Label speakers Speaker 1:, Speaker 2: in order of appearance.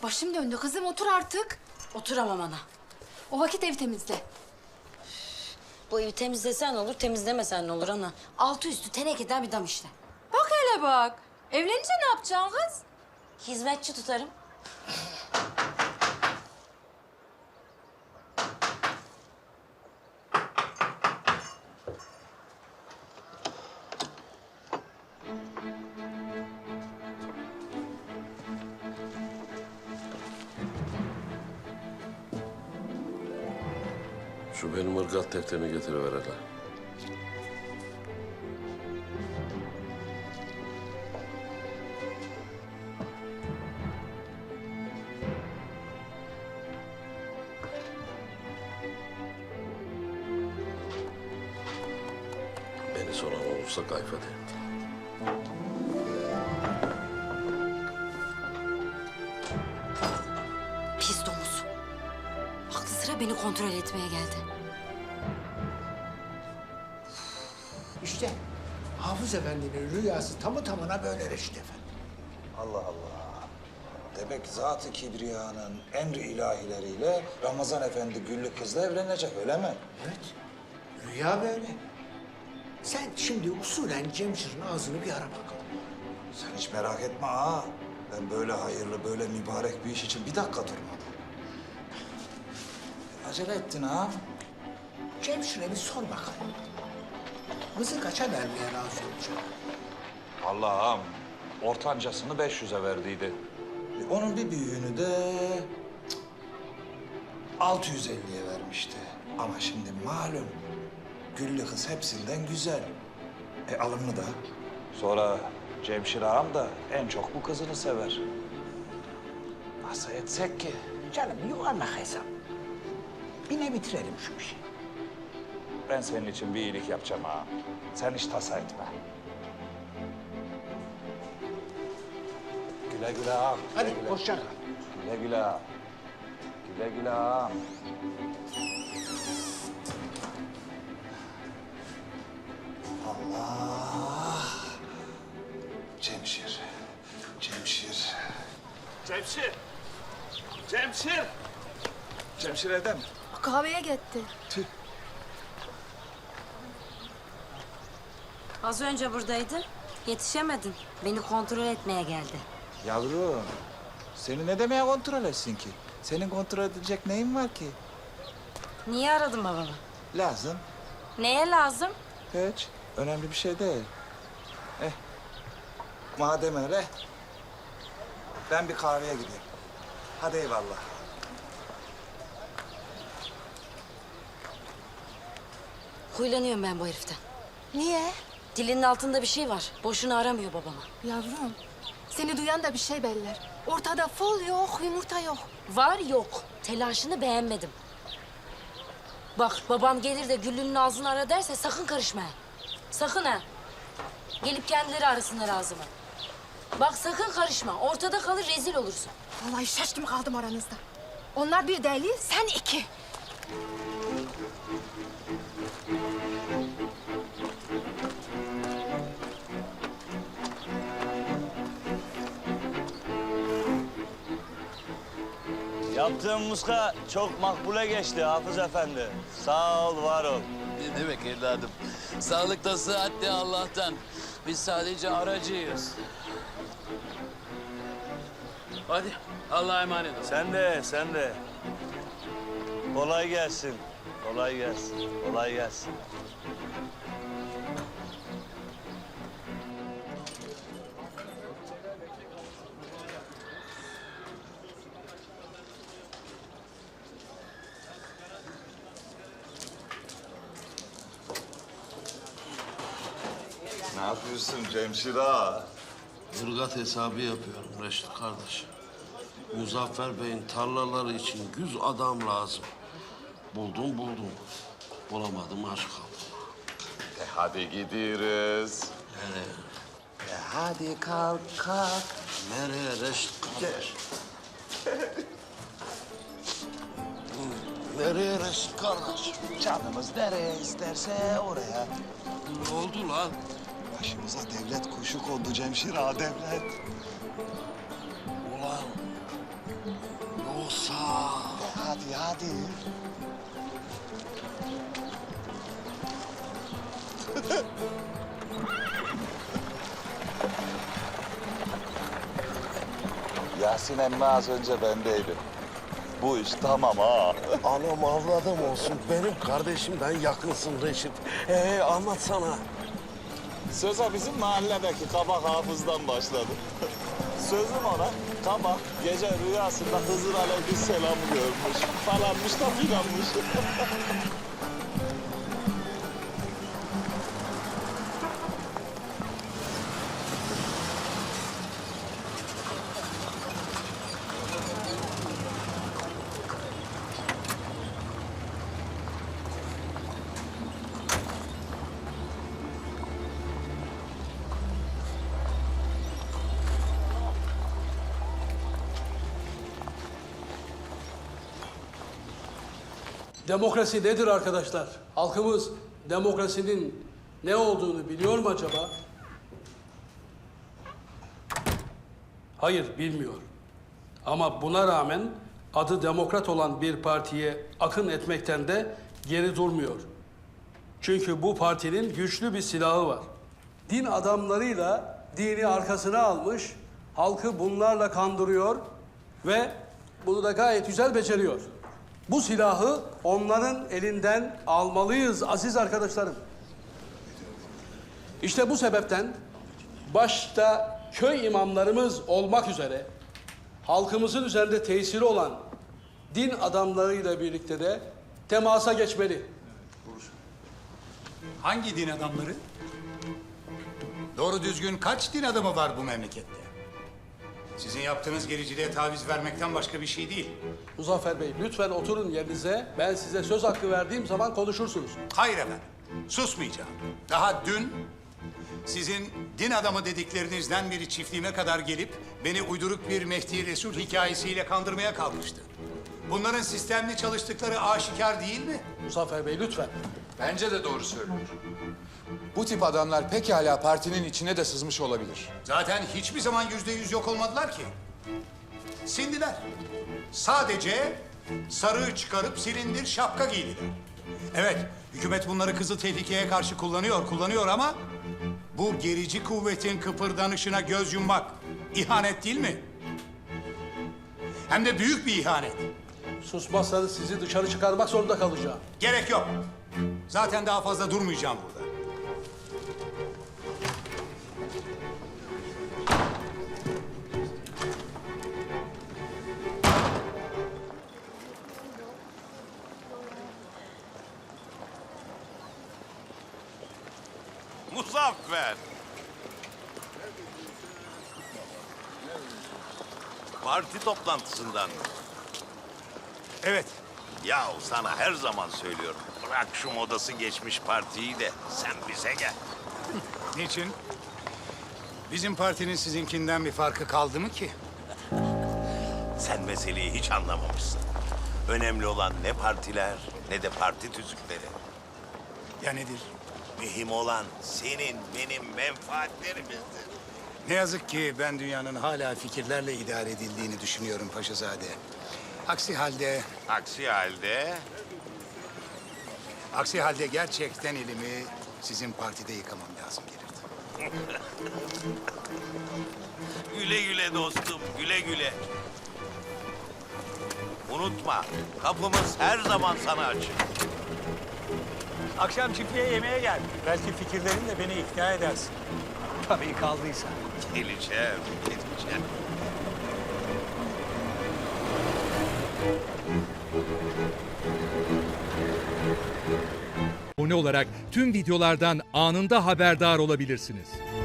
Speaker 1: Başım döndü kızım, otur artık.
Speaker 2: Oturamam ana.
Speaker 1: O vakit ev temizle.
Speaker 2: Bu evi temizlesen olur, temizlemesen ne olur ana. Altı üstü tenekeden bir dam işte.
Speaker 1: Bak hele bak. Evlenince ne yapacaksın kız?
Speaker 2: Hizmetçi tutarım.
Speaker 3: Şu benim ırgat defterini getiriver hele. Beni soran olursa kayfa de.
Speaker 2: Pis domuz. Aklı sıra beni kontrol etmeye geldi.
Speaker 4: İşte Hafız Efendi'nin rüyası tamı tamına böyle Reşit Efendi.
Speaker 5: Allah Allah. Demek Zat-ı Kibriya'nın emri ilahileriyle Ramazan Efendi Güllü kızla evlenecek öyle mi?
Speaker 4: Evet, rüya böyle. Sen şimdi usulen Cemşir'in ağzını bir ara bakalım.
Speaker 5: Sen hiç merak etme ha. Ben böyle hayırlı, böyle mübarek bir iş için bir dakika durmadım. Acele ettin ha.
Speaker 4: Cemşir'e bir sor bakalım. Kızı kaça vermeye razı olacak?
Speaker 5: Allah'ım, ortancasını 500'e verdiydi. Onun bir büyüğünü de 650'ye vermişti. Ama şimdi malum Güllü kız hepsinden güzel. Alımlı da. Sonra Cemşir ağam da en çok bu kızını sever. Nasıl etsek ki?
Speaker 4: Canım yuvarlak hesap. Bir ne bitirelim şu işi.
Speaker 5: Ben senin için bir iyilik yapacağım ağam. Sen hiç tasa etme. Güle güle ağam. güle
Speaker 4: Hadi
Speaker 5: güle.
Speaker 4: hoşça kal.
Speaker 5: Güle güle ağam. Güle güle ağam. Allah. Cemşir. Cemşir.
Speaker 6: Cemşir! Cemşir!
Speaker 5: Cemşir evde mi?
Speaker 1: Kahveye gitti.
Speaker 2: Az önce buradaydın. Yetişemedin. Beni kontrol etmeye geldi.
Speaker 5: Yavrum, seni ne demeye kontrol etsin ki? Senin kontrol edilecek neyin var ki?
Speaker 2: Niye aradın babamı?
Speaker 5: Lazım.
Speaker 2: Neye lazım?
Speaker 5: Hiç. Önemli bir şey değil. Madem öyle, ben bir kahveye gideyim. Hadi eyvallah.
Speaker 2: Huylanıyorum ben bu heriften.
Speaker 1: Niye?
Speaker 2: Dilinin altında bir şey var. Boşuna aramıyor babama.
Speaker 1: Yavrum, seni duyan da bir şey beller. Ortada fol yok, yumurta yok.
Speaker 2: Var yok. Telaşını beğenmedim. Bak babam gelir de Güllü'nün ağzını ara derse sakın karışma. Ha. Sakın ha. Gelip kendileri arasınlar ağzımı. Bak sakın karışma. Ortada kalır rezil olursun.
Speaker 1: Vallahi şaştım kaldım aranızda. Onlar bir deli, sen iki.
Speaker 6: Yaptığın muska çok makbule geçti Hafız Efendi. Sağ ol, var ol.
Speaker 7: Ne demek evladım? Sağlıkta sıhhat de Allah'tan. Biz sadece aracıyız. Hadi Allah'a emanet ol.
Speaker 6: Sen de, sen de. Kolay gelsin. Kolay gelsin. Kolay gelsin.
Speaker 5: Ne yapıyorsun Cemşir ağa?
Speaker 3: Irgat hesabı yapıyorum Reşit kardeş. Muzaffer Bey'in tarlaları için 100 adam lazım. Buldum. Bulamadım, aç kaldım.
Speaker 5: Hadi gidiyoruz.
Speaker 3: Nereye?
Speaker 5: Hadi kalk.
Speaker 3: Nereye Reşit kardeş? Nereye Reşit kardeş?
Speaker 5: Canımız nereye isterse oraya.
Speaker 3: Ne oldu lan?
Speaker 5: Başımıza devlet kuşu kondu Cemşir ağa devlet.
Speaker 3: Ulan yoksa?
Speaker 5: Hadi hadi. Yasin emmi az önce bendeydi. Bu iş tamam ha.
Speaker 3: Anam avladım olsun. Benim kardeşimden yakınsın Reşit. Anlatsana.
Speaker 5: Söze bizim mahalledeki kabak hafızdan başladı. Sözüm ona, kabak gece rüyasında Hızır Aleyhisselam görmüş. Falanmış da filanmış.
Speaker 8: Demokrasi nedir arkadaşlar? Halkımız demokrasinin ne olduğunu biliyor mu acaba? Hayır, bilmiyor. Ama buna rağmen adı demokrat olan bir partiye akın etmekten de geri durmuyor. Çünkü bu partinin güçlü bir silahı var. Din adamlarıyla dini arkasına almış, halkı bunlarla kandırıyor ve bunu da gayet güzel beceriyor. Bu silahı onların elinden almalıyız aziz arkadaşlarım. İşte bu sebepten başta köy imamlarımız olmak üzere halkımızın üzerinde tesiri olan din adamlarıyla birlikte de temasa geçmeli.
Speaker 9: Hangi din adamları? Doğru düzgün kaç din adamı var bu memlekette? Sizin yaptığınız gericiliğe taviz vermekten başka bir şey değil.
Speaker 8: Muzaffer Bey, lütfen oturun yerinize. Ben size söz hakkı verdiğim zaman konuşursunuz.
Speaker 9: Hayır efendim, susmayacağım. Daha dün sizin din adamı dediklerinizden biri çiftliğime kadar gelip beni uyduruk bir Mehdi Resul hikayesiyle kandırmaya kalkıştı. Bunların sistemli çalıştıkları aşikar değil mi?
Speaker 8: Muzaffer Bey, lütfen.
Speaker 10: Bence de doğru söylüyor. Bu tip adamlar pekala partinin içine de sızmış olabilir.
Speaker 9: Zaten hiçbir zaman %100 yok olmadılar ki. Sindiler. Sadece sarığı çıkarıp silindir şapka giydiler. Evet, hükümet bunları kızıl tehlikeye karşı kullanıyor ama bu gerici kuvvetin kıpırdanışına göz yummak ihanet değil mi? Hem de büyük bir ihanet.
Speaker 8: Susmazsanız sizi dışarı çıkarmak zorunda kalacağım.
Speaker 9: Gerek yok. Zaten daha fazla durmayacağım burada.
Speaker 3: Muzaffer. Parti toplantısından mı?
Speaker 9: Evet,
Speaker 3: Yahu sana her zaman söylüyorum. Bırak şu modası geçmiş partiyi de sen bize gel.
Speaker 9: niçin? Bizim partinin sizinkinden bir farkı kaldı mı ki?
Speaker 3: Sen meseleyi hiç anlamamışsın. Önemli olan ne partiler ne de parti tüzükleri.
Speaker 9: Ya nedir?
Speaker 3: Mühim olan senin benim menfaatlerimizdir.
Speaker 9: Ne yazık ki ben dünyanın hala fikirlerle idare edildiğini düşünüyorum Paşazade. Aksi halde gerçekten elimi sizin partide yıkamam lazım gelirdi.
Speaker 3: Güle güle dostum, güle güle. Unutma, kapımız her zaman sana açık.
Speaker 11: Akşam çiftliğe yemeğe gel. Belki fikirlerinle beni ikna edersin. Tabii kaldıysa.
Speaker 3: Geleceğim.
Speaker 12: Abone olarak tüm videolardan anında haberdar olabilirsiniz.